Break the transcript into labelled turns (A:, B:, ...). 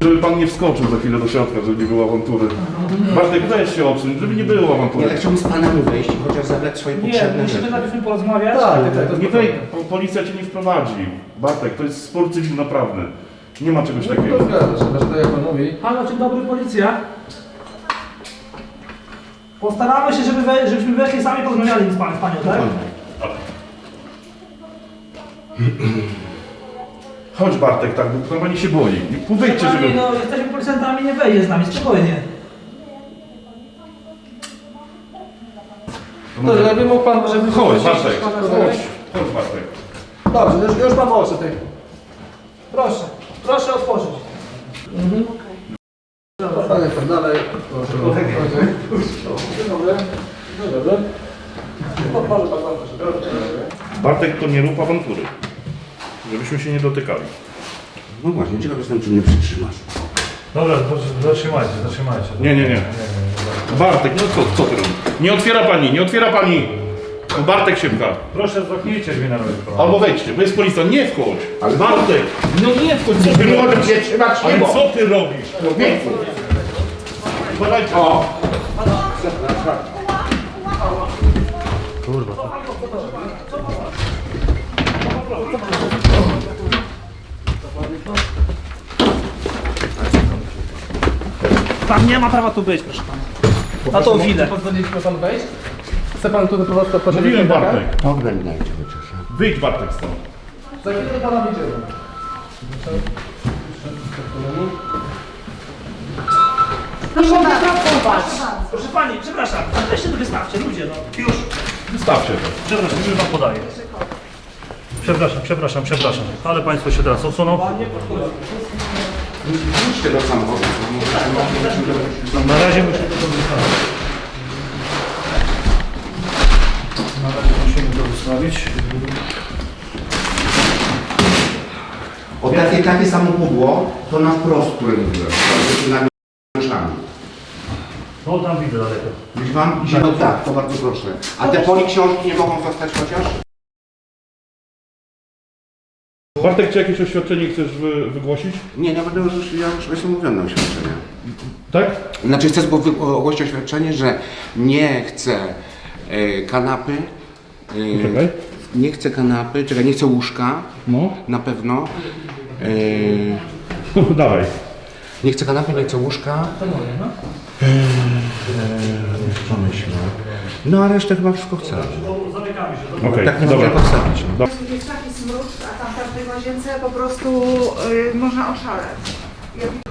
A: Żeby pan nie wskoczył za chwilę do środka, żeby nie było awantury. Bartek, weź się odsuń, żeby nie było awantury.
B: Ja chciałbym z panami wejść i chociaż zabrać swoje
C: Nie,
B: potrzebne
C: musimy
B: rzeczy.
C: najpierw porozmawiać.
D: Tak,
A: Nie wej, policja cię nie wprowadzi. Bartek, to jest spór cywilnoprawny. Nie ma czegoś takiego.
D: To zgadza się, znaczy tak jak pan mówi.
C: Halo, dzień dobry, policja. Postaramy się, żebyśmy weszli sami porozmawiali z panią, tak?
A: Chodź Bartek, tak, bo pani się boi. Wyjdźcie, żeby...
C: No, jesteśmy policjantami, nie wejdzie z nami, spokojnie.
D: No, jakby mógł pan, żeby...
A: Chodź Bartek, chodź Bartek.
D: Dobrze, już pan może tej.
C: Proszę, proszę otworzyć.
D: Panie pan dalej. Proszę. Dzień dobry. Dzień dobry. Otworzy pan proszę.
A: Bartek, to nie rób awantury. Żebyśmy się nie dotykali.
B: No właśnie, ciekaw jestem, czy mnie przytrzymasz.
E: Dobra, zatrzymajcie, zatrzymajcie.
A: Nie. Bartek, no co ty robisz? Nie otwiera pani! No Bartek się pcha.
E: Proszę, zamknijcie drzwi na rower.
A: Albo wejdźcie, bo jest policja, nie wchodź!
B: Ale-
A: Bartek! No nie wchodź, co ty
B: Nie
A: robisz?
B: możesz się trzymać,
A: Ale
B: nie bo.
A: co ty robisz? Podajcie.
B: O!
C: Pan nie ma prawa tu być, proszę pana. Na tą chwilę.
D: Pozwoliliśmy pan wejść? Chce pan tutaj po prostu pożyczyć?
A: Mówiłem Bartek.
B: Oglądajcie chociaż.
A: Wyjdź Bartek stąd.
D: Za chwilę do pana wyjdziemy.
C: Proszę pani, przepraszam, weźcie to wystawcie, ludzie, no. Już.
A: Wystawcie to.
E: Przepraszam, już wam podaję. Przepraszam, ale państwo się teraz odsuną.
B: Idźcie do samochodu.
E: Na razie musimy to wystawić. Na razie musimy to wystawić.
B: O takie samo pudło, to na wprost, które mówiłem. To
E: No tam widzę daleko.
B: Widzi pan? No tak, to bardzo proszę. A te poliksiążki nie mogą zostać chociaż?
A: Bartek, czy jakieś oświadczenie chcesz wygłosić?
B: Nie, ja już jestem umówiony na oświadczenie.
A: Tak?
B: Znaczy chcę ogłosić oświadczenie, że nie chcę kanapy.
A: Czekaj.
B: Nie chcę kanapy, nie chcę łóżka.
A: No.
B: Na pewno.
A: Dawaj.
B: Nie chcę kanapy, nie chcę łóżka.
C: To moje, no.
B: Co myślę? No a resztę chyba wszystko chcę.
E: Zamykamy się.
A: Okej,
B: Tak
A: dobra.
B: można postawić.
F: Jest taki smród, a tam w każdej łazience po prostu można oszaleć. Ja widzę